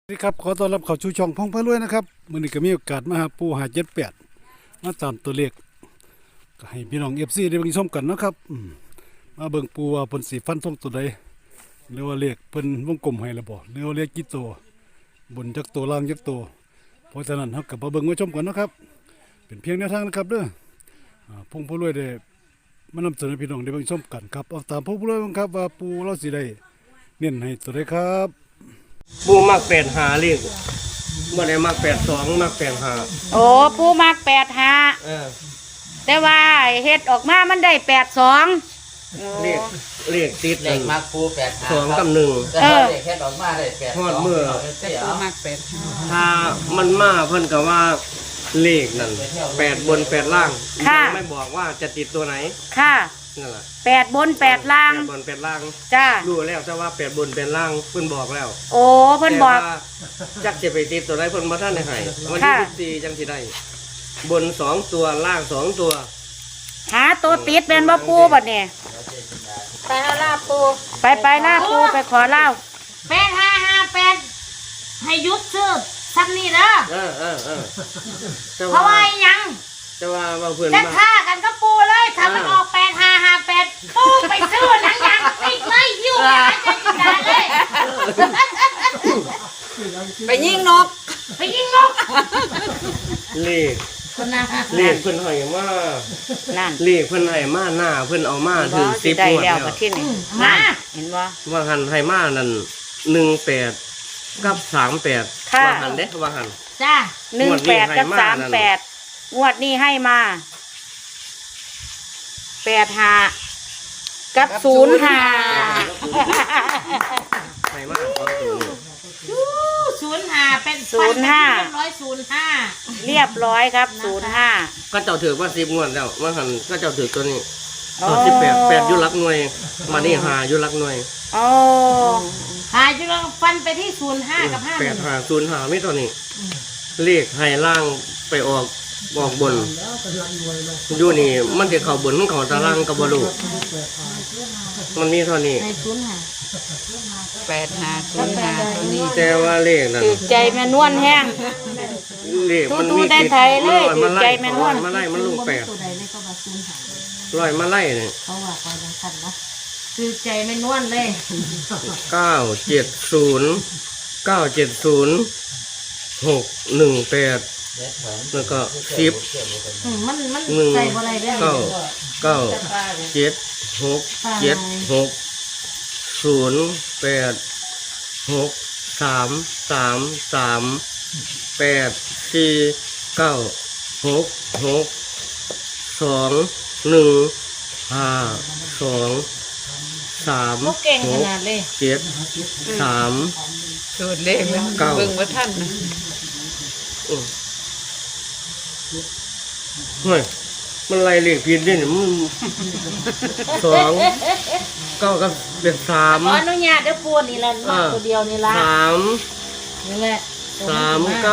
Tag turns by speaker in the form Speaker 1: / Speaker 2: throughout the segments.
Speaker 1: สวัสดีครับขอต้อนรับเข้าชูช่องพงพะรวยนะครับมื้อนี้ก็มีโอกาสมาหาปู578มาตามตัวเลขก็ให้พี่น้อง FC ได้เบิ่งชมกันเนาะครับมาเบิ่งปูว่าเพิ่นสิฟันธงตัวใดหรือว่าเลขเพิ่นวงกลมให้แล้วบ่หรือว่าเลขกี่ตัวบนจักตัวล่างจักตัวเพราะฉะนั้นเฮาก็มาเบิ่งมาชมกันเนาะครับเป็นเพียงแนวทางนะครับเด้อพงพะรวยได้มานำเสนอพี่น้องได้เบิ่งชมกันครับเอาตามพงพะรวยครับว่าปูเราสิได้เน้นให้ตัวใดครับ
Speaker 2: ปูมักแปดหาเลขเมื่อไหร่มัก82มัก85
Speaker 3: โอ้ผู้มัก85แต่ว่าเฮ็ดออกมามันได้82
Speaker 2: เลขติด
Speaker 4: เลขมักปู85
Speaker 2: 2กับ1
Speaker 4: แต่เลขแค่ออกมาได้8
Speaker 2: ฮอดมื้อ
Speaker 3: ปูมัก85
Speaker 2: ถ้ามันมาเพิ่นก็ว่าเลขนั่น8บน8ล่างยังไม่บอกว่าจะติดตัวไหน
Speaker 3: ค่ะ
Speaker 2: นั่นล่ะ
Speaker 3: 8บน8ล่าง
Speaker 2: 8บน8ล่าง
Speaker 3: จ้า
Speaker 2: รู้แล้วแต่ว่า8บน8ล่างเพิ่นบอกแล้ว
Speaker 3: โอ้เพิ่นบอก
Speaker 2: จักสิไปติดตัวไหนเพิ่นบ่ทันได้ให้วันที่14จังสิได้บน2ตัวล่าง2ตัว
Speaker 3: หาตัวติดเป็นบ่ปูบัดนี้ไปหาลาปูไปลาปูไปขอเล่า8558ให้ยุดซื้อซักนี่เด้อเพราะว่ายัง
Speaker 2: แต่ว่าเพื่อน
Speaker 3: จะฆ่ากันก็ปูเลยถ้ามันออก8558ปูไปซื้อหนังยางติดเลยหิ้วไปหาเจ้าจินดาเลยไปยิงนก
Speaker 2: เลขเพิ่นให้มา
Speaker 3: นั่น
Speaker 2: เลขเพิ่นให้มาหน้าเพิ่นเอามาถึง10งวดแล้ว
Speaker 3: มาเห็นบ่
Speaker 2: ว่าหันให้มานั่น18กับ38ว่าหันเด้ว่าหัน
Speaker 3: จ้า18กับ38งวดนี้ให้มา85กับ05
Speaker 2: ให้มา
Speaker 3: 05เป็น05เรียบร้อยครับ05
Speaker 2: ก็เจ้าถือว่า10งวดแล้วว่าหันก็เจ้าถือตัวนี้18 8อยู่หลักหน่วยมานี่5อยู่หลักหน่วย
Speaker 3: โอ้5อยู่ฟันไปที่05กับ
Speaker 2: 85 05มีตัวนี้เลขให้ล่างไปออกบนอยู่นี่มันจะเข้าบนมันเข้าตารางกับบลูมันมีเท่านี้
Speaker 3: 8505นี่
Speaker 2: แต่ว่าเลขนั่น
Speaker 3: ใจแม่นวลแห้ง
Speaker 2: เลขมันมี
Speaker 3: ได้ไทยเลยใจแม่นวล
Speaker 2: มาไล่มันลง8ลอยมาไล่เนี่ย
Speaker 3: เขาว่าก่อนคันเนาะคือใจแม่นวลเลย
Speaker 2: 970 แล้วก็10
Speaker 3: มันใส่บ่ได้เด้อ
Speaker 2: 9 7 6 7 6 0 8 6 3 3 3 8 4 9 6 6 2 1 5 2 3 6 7 3
Speaker 3: สูตรเลขมันเบิ่งบ่ทันนะ
Speaker 2: เฮ้ยมันไล่เลขผิดนี่มัน2 9กับเป็น3
Speaker 3: ขออนุญาตเด้อปูนี่ล่ะมาตัวเดียวนี่ล่ะ
Speaker 2: 3
Speaker 3: นี่แหละ
Speaker 2: 39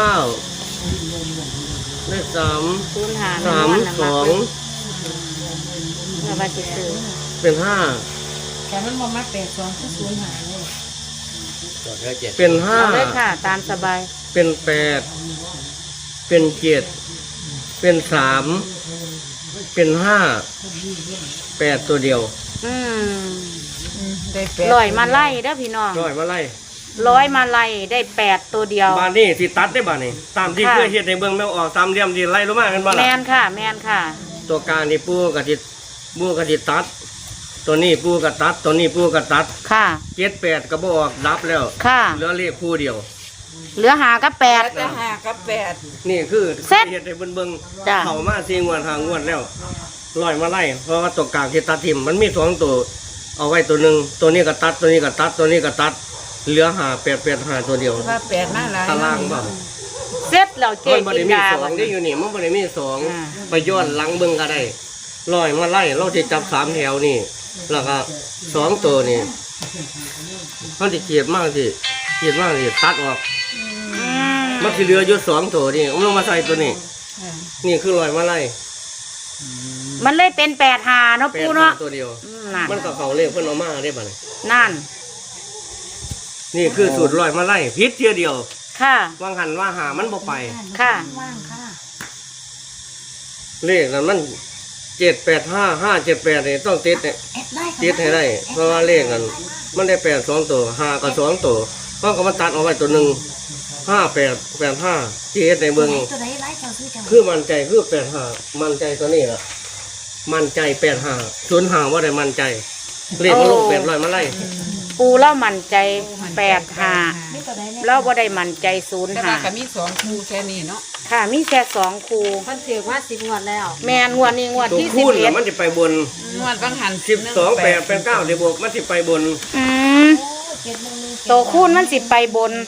Speaker 2: เลข3 32
Speaker 3: เอามาสิซื้อ
Speaker 2: เป็น
Speaker 3: 5แต่มันบ่มา82คือ05เลย
Speaker 2: เป็น5
Speaker 3: เลยค่ะตามสบาย
Speaker 2: เป็น8เป็น7เป็น3เป็น5 8ตัวเดียว
Speaker 3: ได้8ร้อยมาไล่เด้อพี่น้อง
Speaker 2: ร้อยมาไ
Speaker 3: ล่ได้8ตัวเดียว
Speaker 2: บ้านนี้สิตัดได้บ้านนี้ตามที่เคยเฮ็ดในเบิ่งแม่ออกตามเหลี่ยมที่ไล่ลงมากันบ่ล่ะ
Speaker 3: แม่นค่ะ
Speaker 2: ตัวกลางนี่ปูก็สิตัดตัวนี้ปูก็ตัดตัวนี้ปูก็ตัด
Speaker 3: ค่ะ
Speaker 2: 7 8ก็บ่ออกดับแล้วเหลือเลขคู่เดียว
Speaker 3: เหลือ5กับ8
Speaker 2: นี่คือเฮ็ดให้เบิ่งเข้ามา4งวด5งวดแล้วร้อยมาไล่เพราะว่าตัวกลางที่ตัดทิ่มมันมี2ตัวเอาไว้ตัวนึงตัวนี้ก็ตัดตัวนี้ก็ตัดตัวนี้ก็ตัดเหลือ5 8 8 5ตัวเดียว
Speaker 3: ว่า8มาหลาย
Speaker 2: ตารางบ่
Speaker 3: เสร็จแล้วเจ๊กินดา
Speaker 2: 2ได้อยู่นี่มันบ่ได้มี2ไปย้อนหลังเบิ่งก็ได้ร้อยมาไล่เราสิจับ3แถวนี่แล้วก็2ตัวนี่มันสิเกียดมากสิตัดออกมันสิเหลืออยู่2ตัวนี่เอามาใส่ตัวนี้นี่คือร้อยมาไล่
Speaker 3: มันเลยเป็น85เนาะปูเนาะ
Speaker 2: ตัวเดียวมันก็เข้าเลขเพิ่นเอามาได้บัดนี้
Speaker 3: นั่น
Speaker 2: นี่คือสูตรร้อยมาไล่ผิดเที่ยเดียว
Speaker 3: ค่ะ
Speaker 2: วางหันว่าหามันบ่ไป
Speaker 3: ค่ะ
Speaker 5: ว่างค่ะ
Speaker 2: เลขนั้นมัน785 578นี่ต้องติดเนี่ย
Speaker 5: แอดได้ค่ะ
Speaker 2: ติดให้ได้ เพราะว่าเลขนั้นมันได้8 2ตัว5ก็2ตัวเพราะก็มันตัดออกไปตัวหนึง58 85ที่เฮ็ดในเบิ่ง
Speaker 5: ตัวไหนไล่เจ้าซื้อจัง
Speaker 2: คือมั่นใจคือ85มั่นใจตัวนี้ล่ะมั่นใจ85 05ว่าได้มั่นใจเลขมันลง800มาไล่
Speaker 3: ปูเล่ามั่นใจ85
Speaker 5: นี่ตัวไหนเนี่ย
Speaker 3: เราบ่ได้มั่นใจ
Speaker 6: แต่ว่าก็มี2คู่แค่นี้เนาะ
Speaker 3: 05ค่ะมีแค่2คู่
Speaker 5: เพิ่นถือว่า10งวดแล้ว
Speaker 3: แม่นงวดนี้งวด
Speaker 2: ตัว
Speaker 3: ที่
Speaker 2: คูณน่ะมัน
Speaker 3: 11
Speaker 2: สิไปบน
Speaker 6: งวดบางหัน
Speaker 2: 12 8 8 9เดี๋ยวบวกมันสิไปบน
Speaker 3: อืม
Speaker 5: โอ้711
Speaker 3: โตคูณมันสิไปบน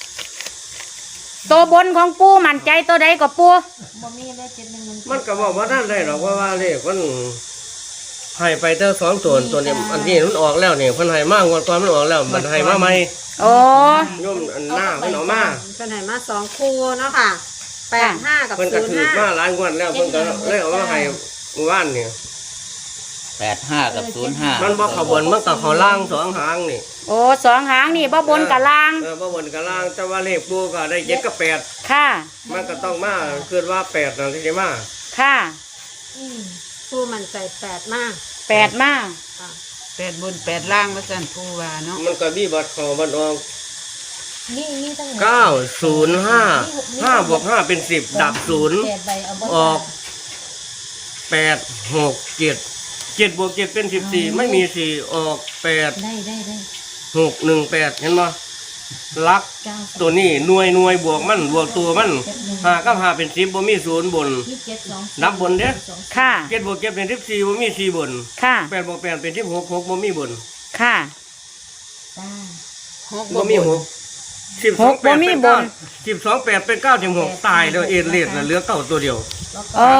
Speaker 3: ตัวบนของปูมั่นใจตัวใดก็ปู
Speaker 5: บ่มีได้711
Speaker 2: มันก็บอกว่าท่านได้หรอกว่าเลขมันให้ไปเท่า2ตัวนี้อันนี้มันออกแล้วนี่เพิ่นให้มากกว่าก่อนมันออกแล้วมันให้มาใหม่
Speaker 3: โอ้
Speaker 2: โยมอันหน้าเพิ่นเอามา
Speaker 7: เป็นไหนมา2คู่เนาะค่ะ85กับ
Speaker 2: เพิ่นก็ถือมาหลายงวดแล้วเพิ่นก็เลยเอามาให้เมื่อวานนี่
Speaker 4: 85 กับ 05
Speaker 2: มันบ่เข้าบนมันก็เข้าล่าง2หางนี่
Speaker 3: โอ้สองหางนี่บ่บนกับล่าง
Speaker 2: บ่บนกับล่างแต่ว่าเลขปูก็ได้7กับ8
Speaker 3: ค่ะ
Speaker 2: มันก็ต้องมาคือว่า8นั่นที่สิมา
Speaker 3: ค่ะ
Speaker 7: คู่มันใจ8มาก
Speaker 3: 8มา
Speaker 6: 8บน8ล่างว่าซั่นผู้ว่าเนาะ
Speaker 2: มันก็มีบัตรเข้าบัตรออก
Speaker 5: นี่ตั้ง
Speaker 2: 905 5บวก5เป็น10ดับ0
Speaker 5: 8ใบเอาบ่
Speaker 2: ออก8 6 7 7บวก7เป็น14ไม่มี4ออก8
Speaker 5: ได้
Speaker 2: 6 1 8เห็นบ่ลัก
Speaker 5: 9
Speaker 2: ตัวนี้หน่วยบวกมันบวกตัวมัน5กับ5เป็น10บ่มี0บน
Speaker 5: มี7 2
Speaker 2: นับบนเด้อ
Speaker 3: ค่ะ
Speaker 2: 7บวก7เป็น14บ่มี4บน
Speaker 3: ค่ะ
Speaker 2: 8บวก8เป็น16 6บ่มีบน
Speaker 3: ค่ะ
Speaker 5: จ้า
Speaker 6: 6
Speaker 2: บ่มี6
Speaker 3: หกบ่มีบน
Speaker 2: 12 8เป็น9ถึง6ตายแล้วเอ็นเลดน่ะเหลือ9ตัวเดียว
Speaker 3: โอ้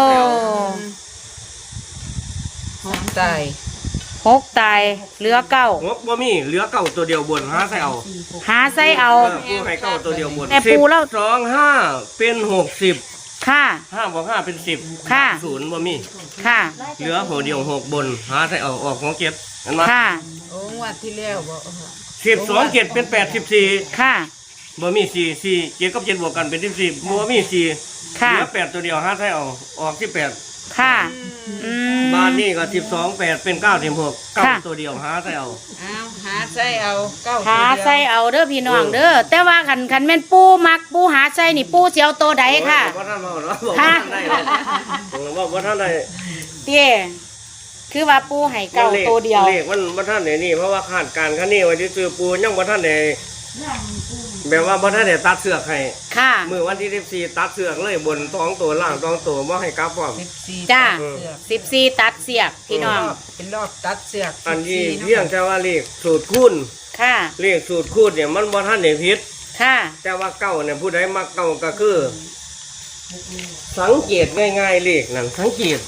Speaker 6: 6ตาย
Speaker 3: 6ตายเหลือ9
Speaker 2: 6บ่มีเหลือ9ตัวเดียวบนหาใส่เอา
Speaker 3: หาใส่เอา
Speaker 2: ปูให้9ตัวเดียวบน
Speaker 3: แต่ปูแล้ว
Speaker 2: 12 5เป็น60
Speaker 3: ค่ะ
Speaker 2: 5บวก5เป็น10
Speaker 3: ค่ะ
Speaker 2: 0บ่มี
Speaker 3: ค่ะ
Speaker 2: เหลือหัวเดียว6บนหาใส่เอาออกของเก็บเห็นไหม
Speaker 3: ค่ะ
Speaker 6: โอ้งวดที่แล้วบ่
Speaker 2: 12 7เป็น84
Speaker 3: ค่ะ
Speaker 2: บ่มี4 4 7กับ7บวกกันเป็น14บ่มี4
Speaker 3: ค่ะ
Speaker 2: เหลือ8ตัวเดียวหาใส่เอาออกที่8
Speaker 3: ค่ะ อืม
Speaker 2: บ้านนี้ก็12 8เป็น9ถึง6
Speaker 3: ค่ะ
Speaker 2: 9ตัวเดียวหาใส่เอา
Speaker 6: อ้าวหาใส่เอา9
Speaker 3: หาใส่เอาเด้อพี่น้องเด้อ แต่ว่าคันแม่นปูมักปูหาใส่นี่ปูสิเอาตัวใดค่ะ
Speaker 2: บ่ท่านเว้าเนาะบ่ท่านได้เนาะบ่ท่านได้
Speaker 3: เตี้ยคือว่าปูให้เก่าตัวเดียว
Speaker 2: เลขมันบ่ทันได้นี่เพราะว่าคาดการณ์คันนี้ไว้ที่ซื้อปูยังบ่ทันได้แบบว่าบ่ทันได้ตัดเสือกให้
Speaker 3: ค่ะ
Speaker 2: มื้อวันที่14ตัดเสือกเลยบน2ตัวล่าง2ตัวบ่ให้กลับพร้อม
Speaker 6: 14
Speaker 3: จ้า
Speaker 6: เสือก
Speaker 3: 14ตัดเสียกพี่น้อง
Speaker 6: เป็นรอบตัดเสือก
Speaker 2: อันนี้
Speaker 6: 14
Speaker 2: เพียงแต่ว่าเลขสูตรคูณ
Speaker 3: ค่ะ
Speaker 2: เลขสูตรคูณเนี่ยมันบ่ทันได้ผิด
Speaker 3: ค่ะ แต่
Speaker 2: แต่ว่าเก้าเนี่ยผู้ใดมักเก้าก็คือ สังเกตง่ายๆเลขนั่นสังเกต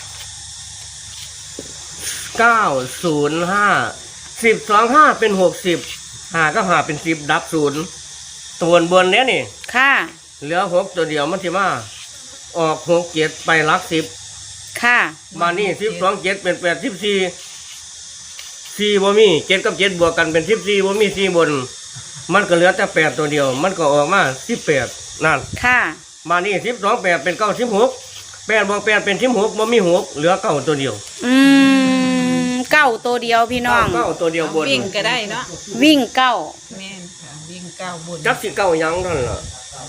Speaker 2: 905 10 25เป็น60 5ก็5เป็น10ดับ0ตัวบนเนี้ยนี่
Speaker 3: ค่ะ
Speaker 2: เหลือ6ตัวเดียวมันสิมาออก6 7ไปหลัก10
Speaker 3: ค่ะ
Speaker 2: มานี่12 7เป็น8 14 4บ่มี7กับ7บวกกันเป็น14บ่มี4บน มันก็เหลือแต่8ตัวเดียว มันก็ออกมา18นั่น
Speaker 3: ค่ะ
Speaker 2: มานี่12 8เป็น9 16 8บวก8เป็น16บ่มี6เหลือ9ตัวเดียว
Speaker 3: อืมเก้าตัวเดียวพี่น้อง
Speaker 2: 9ตัวเดียวบน
Speaker 6: วิ่งก็ได้เนาะ
Speaker 3: วิ่งเก้า
Speaker 6: แม่นค่ะวิ่ง9บน
Speaker 2: จักสิเก้าหยังนั่นล่ะ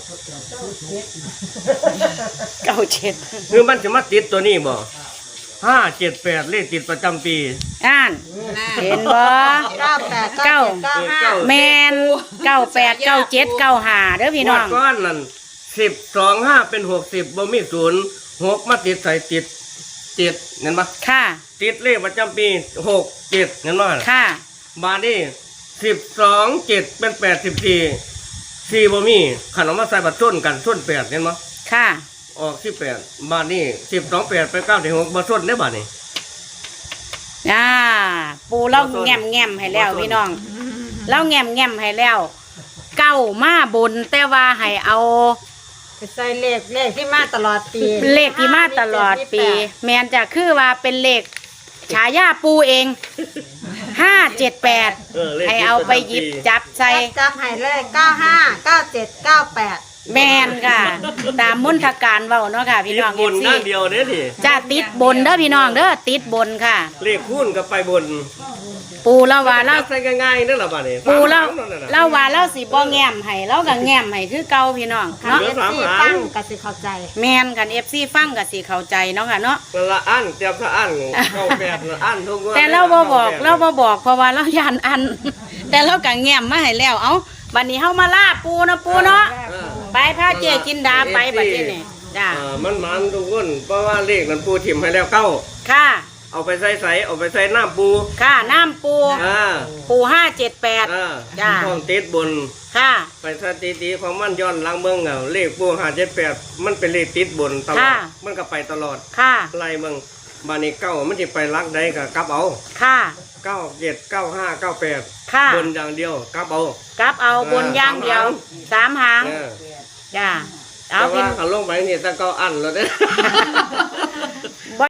Speaker 3: เก้าเจ็ด
Speaker 2: คือมันสิมาติดตัวนี้บ่578เลขติดประจำปี
Speaker 3: อ่าน เห็นบ่
Speaker 7: 98
Speaker 3: เก้า
Speaker 7: 97
Speaker 3: แมน98 97 95เด้อพี่น้อง
Speaker 2: งวดก้อนนั่น10 25เป็น60บ่มี0 6มาติดใส่ติด7เห็นบ่
Speaker 3: ค่ะ
Speaker 2: ติดเลขประจำปี6 7เห็นบ่
Speaker 3: ค่ะ
Speaker 2: บาดนี้12 7เป็น84 4บ่มีขันเอามาใส่บัตรส้นกันส้น8เห็นบ่
Speaker 3: ค่ะ
Speaker 2: ออก18บาทนี่12 8ไป9ถึง6บ่ส้นได้บาทนี่
Speaker 3: อ่า ปูเล่าแง่มแง่มให้แล้วพี่น้องเล่าแง่มแง่มให้แล้ว เก้ามาบนแต่ว่าให้เอา
Speaker 7: ไปใส่เลขที่มาตลอดปี
Speaker 3: เลขที่มาตลอดปี แมนจะคือว่าเป็นเลขฉายาปูเอง 578
Speaker 2: เออเลข
Speaker 3: ให้เอาไปหยิบจับใส่
Speaker 7: จับให้เลย95 97 98
Speaker 3: แมนค่ะ ตามมนทการเว้าเนาะค่ะ พี่น้อง
Speaker 2: บน
Speaker 3: FC
Speaker 2: หน้าเดียวเนี่ยนี่
Speaker 3: จะติดบนเด้อพี่น้องเด้อติดบนค่ะ
Speaker 2: เลขคูณก็ไปบน
Speaker 3: ปูเราว่าเรา
Speaker 2: ใส่ง่ายๆนั่นแหละบ้านี่
Speaker 3: ปูเรา
Speaker 2: สมหงนั่นน่ะ
Speaker 3: เราว่าเราสิบ่แง้มให้เราก็แง้มให้คือเก่าพี่น้อง
Speaker 7: คัน
Speaker 3: เนาะ
Speaker 2: เหลื
Speaker 7: เอ
Speaker 2: อ
Speaker 7: ฟ
Speaker 2: สาม
Speaker 7: ซี
Speaker 2: หาง
Speaker 7: ฟังก็สิเข้าใจ
Speaker 3: แมนกัน FC ฟังก็สิเข้าใจเนาะค่ะเนาะ
Speaker 2: นั่นละอันเตรียมถ้าอันเก้าแปดละอันทุกงวด
Speaker 3: แต่เราบ่บอกเพราะว่าเรายานอัน แต่เราก็แง้มมาให้แล้วเอ้าบัดนี้เฮามาล่าปูเนาะปูเนาะ
Speaker 2: เออ
Speaker 3: ไปพาเจจินดาไปบัดนี้นี่จ้า
Speaker 2: มันทุกคนเพราะว่าเลขนั้นปูถิ่มให้แล้วเก้า
Speaker 3: ค่ะ
Speaker 2: เอาไปใส่เอาไปใส่น้ำปู
Speaker 3: ค่ะน้ำปู
Speaker 2: อ่า
Speaker 3: ปู578 จ้า
Speaker 2: ต้องติดบน
Speaker 3: ค่ะ
Speaker 2: ไปสถิติของมันย้อนหลังเมืองเอาเลขปู578มันเป็นเลขติดบนตลอด
Speaker 3: ค่ะ
Speaker 2: มันก็ไปตลอด
Speaker 3: ค่ะ
Speaker 2: ไล่เมืองบานี้เก้ามันจะไปลักใดก็กลับเอา
Speaker 3: ค่ะ
Speaker 2: 97 95 98
Speaker 3: ค่ะ
Speaker 2: บนอย่างเดียวกลับเอา
Speaker 3: กลับเอาบนอย่างเดียว3หาง
Speaker 2: เออ
Speaker 3: จ้าเอา
Speaker 2: แต่
Speaker 3: พี่
Speaker 2: ว่าเขาลงไปนี่ตะเกาอันแล้วเด้อ